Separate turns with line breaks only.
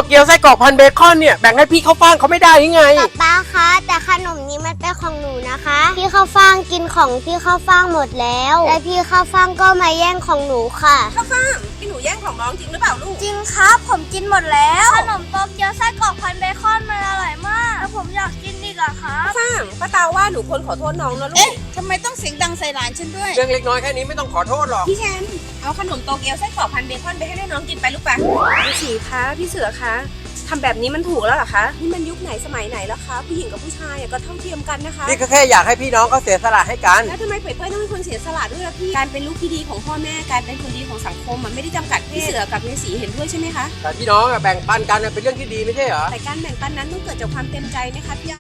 เกี๊ยวไส้กรอกพันเบคอนเนี่ยแบ่งให้พี่เขาฟ่างเขาไม่ได้ยังไง
ป๊าคะแต่ขนมนี้มันเป็นของหนูนะคะพี่ข้าวฟ่างกินของพี่ข้าวฟ่างหมดแล้วและพี่ข้าวฟ่างก็มาแย่งของหนูค่ะ
ข้าวฟ่างพี่หนูแย่งของน้องจริงหรือเปล่าลูก
จริงครับผมกินหมดแล้วขนมโตเกียวไส้กรอกพันเบคอนมันอร่อยมากแล้วผมอยากกินอีกอะครับ
ข้าวฟ่างป้าตาว่าหนูควรขอโทษน้องนะลูก
ทำไมต้องเสียงดังใส่หลานฉันด้วย
เรื่องเล็กน้อยแค่นี้ไม่ต้องขอโทษหรอก
พี่แชมป์เอาขนมโตเกียวไส้กรอกพันเบคอนไปให้น้องกินไปลูกปะพี่สีคะพี่เสือคะทำแบบนี้มันถูกแล้วเหรอคะนี่มันยุคไหนสมัยไหนแล้วคะผู้หญิงกับผู้ชายก็เท่าเทียมกันนะคะ
พี่ก็แค่อยากให้พี่น้องเขาเสียสละให้กัน
แล้วทำไมเป้ยต้องเป็นคนเสียสละด้วยล่ะพี่การเป็นลูกที่ดีของพ่อแม่การเป็นคนดีของสังคมมันไม่ได้จำกัดพี่เสือกับยายสีเห็นด้วยใช่ไหมคะ
แต่พี่น้องแบ่งปันกันเป็นเรื่องที่ดีไม่ใช่เหรอ
แต่การแบ่งปันนั้นต้องเกิดจากความเต็มใจนะคะพี่